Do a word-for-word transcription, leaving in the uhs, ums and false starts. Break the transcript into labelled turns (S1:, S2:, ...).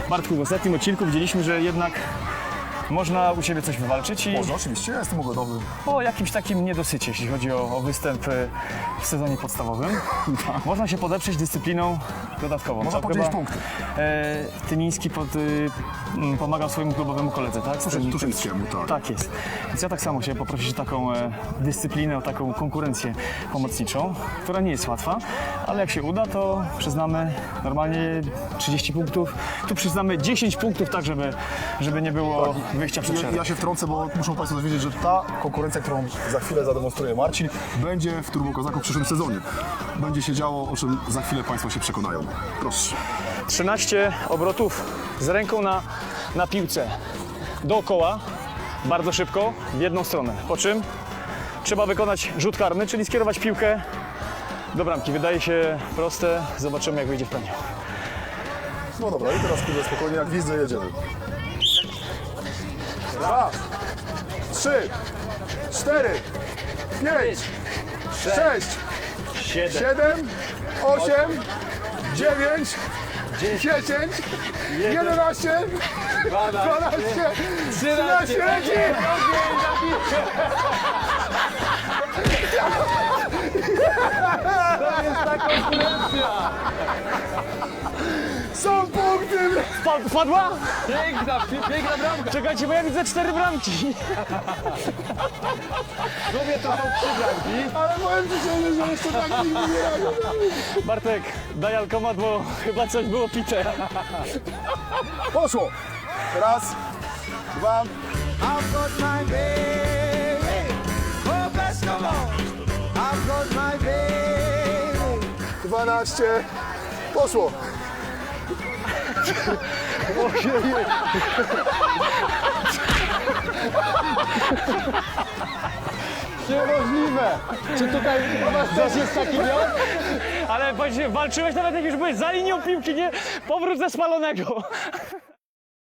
S1: Bartku, w ostatnim odcinku widzieliśmy, że jednak można u Ciebie coś wywalczyć i
S2: Można, oczywiście, ja jestem ugodowy.
S1: o jakimś takim niedosycie, jeśli chodzi o, o występ e, w sezonie podstawowym. Można się podeprzeć dyscypliną dodatkową.
S2: Można
S1: To
S2: podzielić
S1: chyba,
S2: punkty.
S1: E, Tymiński pod, y, m, pomagał swojemu klubowemu koledze, tak?
S2: Tuszy- Tuszyńskiemu, tak.
S1: Tak jest. Więc ja tak samo chciałem poprosić o taką e, dyscyplinę, o taką konkurencję pomocniczą, która nie jest łatwa, ale jak się uda, to przyznamy normalnie trzydzieści punktów. Tu przyznamy dziesięć punktów, tak żeby, żeby nie było wyjścia przed
S2: Ja,
S1: szereg.
S2: ja się wtrącę, bo muszą Państwo dowiedzieć, że ta konkurencja, którą za chwilę zademonstruje Marcin, będzie w Turbo Kozaku w przyszłym sezonie. Będzie się działo, o czym za chwilę Państwo się przekonają. Proszę.
S1: trzynaście obrotów z ręką na, na piłce dookoła, bardzo szybko, w jedną stronę. Po czym trzeba wykonać rzut karny, czyli skierować piłkę do bramki. Wydaje się proste, zobaczymy jak wyjdzie w pełni.
S2: No dobra, i teraz kurde, spokojnie, jak widzę, jedziemy. Raz, trzy, cztery, pięć, sześć, siedem, osiem, dziewięć, dziesięć, jedenaście, dwanaście, trzynaście, leci! Są punkty!
S1: Wpa- Wpadła?
S3: Piękna, piękna bramka.
S1: Czekajcie, bo ja widzę cztery bramki.
S3: Mówię, to są trzy bramki.
S2: Ale powiem Ci szczerze, że jeszcze tak nigdy nie robię.
S1: Bartek, daj alkomat, bo chyba coś było pite.
S2: Poszło! Raz, dwa,
S4: I've got my baby. Oh, best of all. I've got my baby.
S2: dwanaście. Poszło!
S3: Niemożliwe. Czy tutaj u was też jest taki miał?
S1: Ale właśnie walczyłeś nawet jak już byłeś za linią piłki, nie? Powrót ze spalonego.